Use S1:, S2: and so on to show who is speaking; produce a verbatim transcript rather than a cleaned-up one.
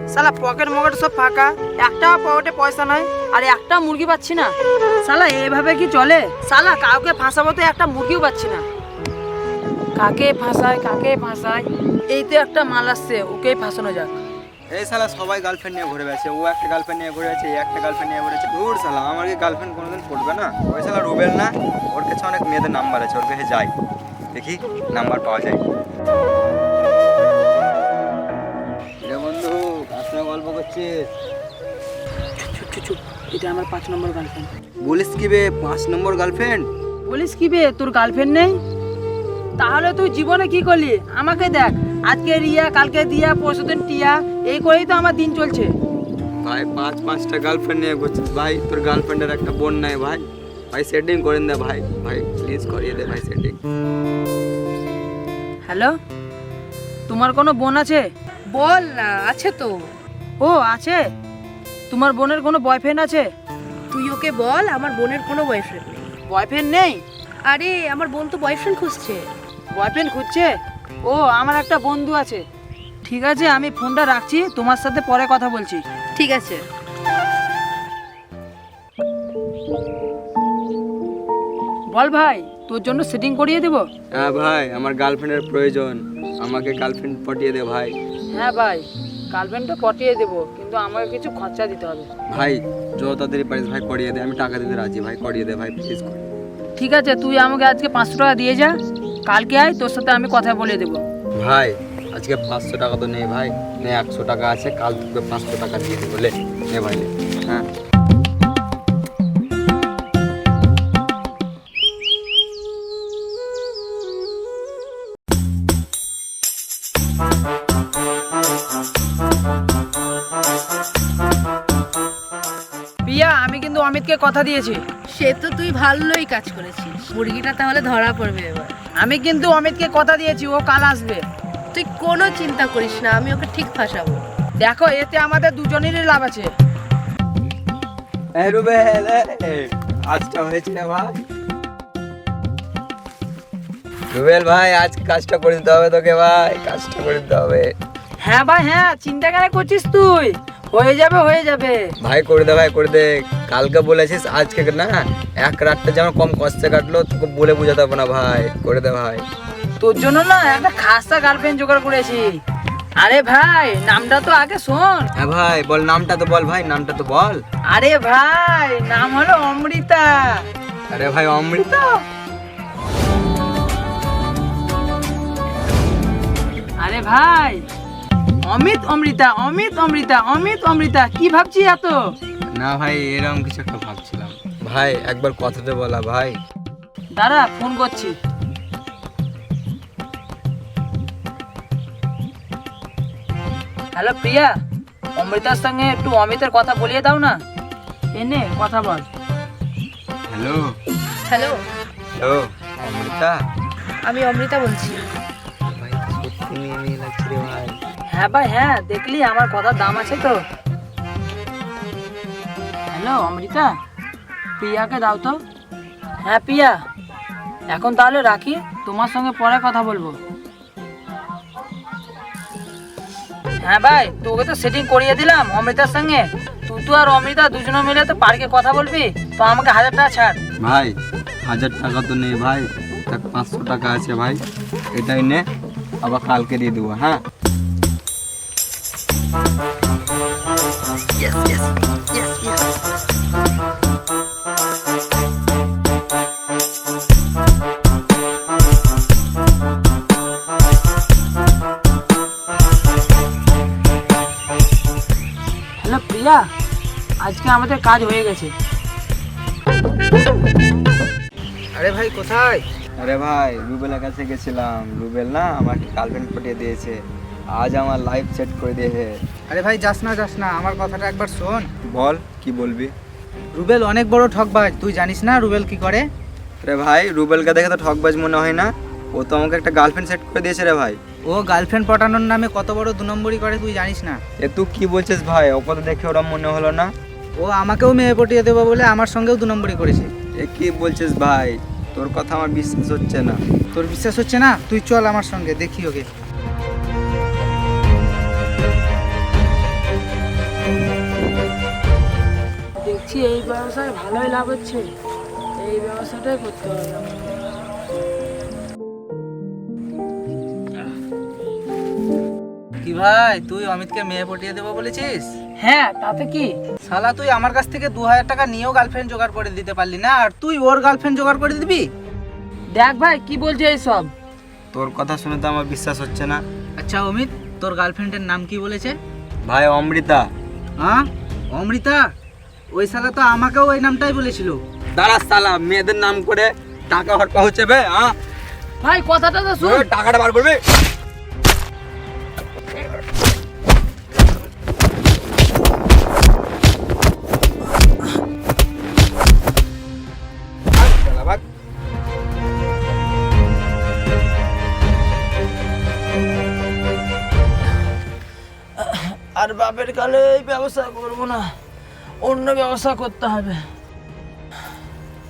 S1: শালা পকেট মকেট সব ফাঁকা, একটা পকেটে পয়সা নাই, আর একটা মুরগি পাচ্ছি না। শালা এইভাবে কি চলে? শালা কাউকে ফাঁসাবো তো একটা মুরগিও পাচ্ছি না। কাকে ফাঁসায় কাকে ফাঁসায়, এই তো একটা মাল আসছে, ওকেই ফাঁসানো যাক।
S2: এই শালা সবাই গার্লফ্রেন্ড নিয়ে ঘুরে বেড়াচ্ছে, ও একটা গার্লফ্রেন্ড নিয়ে ঘুরে বেড়াচ্ছে, এই একটা গার্লফ্রেন্ড নিয়ে ঘুরেছে। দূর শালা, আমার কি গার্লফ্রেন্ড কোনোদিন পড়বে না? ওই শালা রুবেল না, ওর কাছে অনেক মেয়েদের নাম্বার আছে, ওর কাছে যাই, দেখি নাম্বার পাওয়া যায়। রে বন্ধু, কার সঙ্গে গল্প করছিস?
S1: চুপ চুপ চুপ, এটা আমার পাঁচ নম্বর গার্লফ্রেন্ড।
S2: বলিস কি বে, পাঁচ নম্বর গার্লফ্রেন্ড?
S1: বলিস কি বে, তোর গার্লফ্রেন্ড নেই? তাহলে তুই জীবনে কি করলি? আমাকে দেখ, আজকে রিয়া, কালকে দিয়া, পরশুদিন টিয়া, এই করেই তো আমার দিন চলছে।
S2: ভাই পাঁচ পাঁচটা গার্লফ্রেন্ড নিয়ে ঘুরছিস ভাই, তোর গার্লফ্রেন্ডের একটা বোন নাই ভাই? ভাই সেটিং করেন দে ভাই, ভাই প্লিজ করিয়ে দে ভাই সেটিং।
S1: হ্যালো, তোমার কোনো বোন আছে?
S3: বল না, আছে তো।
S1: ও আছে? তোমার বোনের কোনো বয়ফ্রেন্ড আছে?
S3: তুই ওকে বল আমার বোনের কোনো বয়ফ্রেন্ড নেই।
S1: বয়ফ্রেন্ড নেই?
S3: আরে আমার বোন তো বয়ফ্রেন্ড খুঁজছে।
S1: বয়ফ্রেন্ড খুঁজছে? ও, আমার একটা বন্ধু আছে। ঠিক আছে, আমি ফোনটা রাখছি, তোমার সাথে পরে কথা বলছি।
S3: ঠিক আছে।
S1: বল ভাই, তোর জন্য সেটিং করিয়ে দেবো।
S2: হ্যাঁ ভাই, আমার গার্লফ্রেন্ডের প্রয়োজন, আমাকে গার্লফ্রেন্ড পটিয়ে দে ভাই।
S1: হ্যাঁ ভাই, গার্লফ্রেন্ডটা পটিয়ে দেবো, কিন্তু আমাকে কিছু খরচা দিতে হবে।
S2: ভাই যত তাড়াতাড়ি পারিস ভাই করিয়ে দে, আমি টাকা দিতে রাজি ভাই, করিয়ে দে ভাই প্লিজ।
S1: ঠিক আছে, তুই আমাকে আজকে পাঁচশো টাকা দিয়ে যা, কালকে আয়, তোর সাথে আমি কথা বলে দেবো।
S2: ভাই আজকে পাঁচশো টাকা তো নেই ভাই, নে একশো টাকা আছে, কাল তোকে পাঁচশো টাকা দিয়ে দেবো, লে নে ভাই লে। হ্যাঁ
S1: প্রিয়া, আমি কিন্তু অমিতকে কথা দিয়েছি।
S3: সে তো তুই ভালোই কাজ করেছিস, মুরগিটা তাহলে ধরা পড়বে এবার।
S1: আমি কিন্তু অমিতকে কথা দিয়েছি, ও কাল আসবে।
S3: তুই কোনো চিন্তা করিস না, আমি ওকে ঠিক ফাঁসাবো।
S1: দেখো, এতে আমাদের দুজনেরই লাভ আছে।
S2: এই রুবেল, এই আজটা হয়েছে রে ভাই। রুবেল ভাই, আজ কাজটা করে দিতে হবে তোকে ভাই, কাজটা করে দিতে হবে।
S1: হ্যাঁ ভাই হ্যাঁ, চিন্তা কেন করছিস তুই? হয়ে যাবে হয়ে যাবে
S2: ভাই করে দে ভাই, করে দে। কালকে বলেছিস, আজকে না এক রাতটা যেমন কম কষ্টে কাটলো, তোকে বলে বোঝাতে হবে না ভাই, করে দে ভাই।
S1: তোর জন্য না একটা খাসা গার্লফ্রেন্ড জোগাড় করেছি। আরে ভাই, নামটা তো আগে শোন।
S2: হ্যাঁ ভাই বল, নামটা তো বল ভাই, নামটা তো বল।
S1: আরে ভাই, নাম হলো অমৃতা।
S2: আরে ভাই অমৃতা?
S1: আরে ভাই, অমিত অমৃতা, অমিত অমৃতা, অমিত অমৃতা, কি ভাবছি এত?
S2: না ভাই, এরকম কিছু একটা ভাবছিলাম ভাই, একবার কথাতে বলা ভাই।
S1: দাঁড়া, ফোন করছি। হ্যালো প্রিয়া, অমৃতার সঙ্গে একটু অমিতের কথা বলিয়ে দাও না। এনে কথা বল।
S2: Hello
S3: hello,
S2: hello Amrita?
S3: আমি অমৃতা বলছি।
S2: ভাই সত্যি মেয়ে মেয়ে লাগছে রে ভাই।
S1: হ্যাঁ ভাই হ্যাঁ, দেখলি আমার কথার দাম আছে তো। হ্যালো অমৃতা, প্রিয়াকে দাও তো। হ্যাঁ প্রিয়া, এখন তাহলে রাখি, তোমার সঙ্গে পরে কথা বলবো। হ্যাঁ ভাই, তোকে তো সেটিং করিয়ে দিলাম অমৃতার সঙ্গে। তুই তো আর অমৃতা দুজনে মিলে তো পার্কে কথা বলবি, তো আমাকে হাজার টাকা ছাড়।
S2: ভাই হাজার টাকা তো নেই ভাই, দেখ পাঁচশো টাকা আছে ভাই, এটাই নে, আবার কালকে দিয়ে দেবো। হ্যাঁ
S1: Yes, yes, yes, yes. Hello Priya, আজকে আমাদের কাজ হয়ে গেছে।
S4: আরে ভাই কোথায়?
S2: আরে ভাই রুবেলের কাছে গেছিলাম, রুবেল না আমাকে গার্লফ্রেন্ড পটিয়ে দিয়েছে, আজ আমার লাইফ সেট করে দিয়েছে।
S4: আরে ভাই যাস না যাস না, আমার কথাটা একবার শোন।
S2: বল কি বলবি?
S4: রুবেল অনেক বড় ঠকবাজ, তুই জানিস না রুবেল কি করে?
S2: রে ভাই, রুবেলকে দেখে তো ঠকবাজ মনে হয় না, ও তো আমাকে একটা গার্লফ্রেন্ড সেট করে দিয়েছে রে ভাই।
S4: ও গার্লফ্রেন্ড পটানোর নামে কত বড় দু নম্বরই করে তুই জানিস না?
S2: এ তুই কি বলছিস ভাই? ওকে তো দেখে ওরম মনে হলো না।
S4: ও আমাকেও মেয়ে পটিয়ে দেবো বলে আমার সঙ্গেও দু নম্বরই করেছে।
S2: এ কি বলছিস ভাই? তোর কথা আমার বিশ্বাস হচ্ছে না।
S4: তোর বিশ্বাস হচ্ছে না? তুই চল আমার সঙ্গে, দেখি ওকে।
S1: দেখছি এই ব্যবসায় ভালোই লাভ হচ্ছে, এই ব্যবসাটাই করতে হবে আমার।
S4: কি ভাই, তুই অমিতকে মেয়ে পটিয়ে দেবো বলেছিস?
S1: হ্যাঁ, তাতে কি?
S4: শালা তুই আমার কাছ থেকে দু হাজার টাকা নিয়েও গার্লফ্রেন্ড জোগাড় করে দিতে পারলি না, আর তুই ওর গার্লফ্রেন্ড জোগাড় করে দিবি?
S1: দেখ ভাই কি বলছে এইসব।
S2: তোর কথা শুনে তো আমার বিশ্বাস হচ্ছে না।
S4: আচ্ছা অমিত, তোর গার্লফ্রেন্ডের নাম কি বলেছে?
S2: ভাই অমৃতা।
S4: হ্যাঁ, অমৃতা? ওই শালা তো আমাকেও ওই নামটাই বলেছিল।
S2: দাঁড়া শালা, মেয়েদের নাম করে টাকা হরপা হচ্ছে বে, হ্যাঁ?
S1: ভাই কথাটা তো শুন।
S2: ওই টাকাটা বার করবি। ভাগ শালা, ভাগ।
S1: আর বাপের কালে এই ব্যবসা করবো না, অন্য ব্যবসা করতে হবে।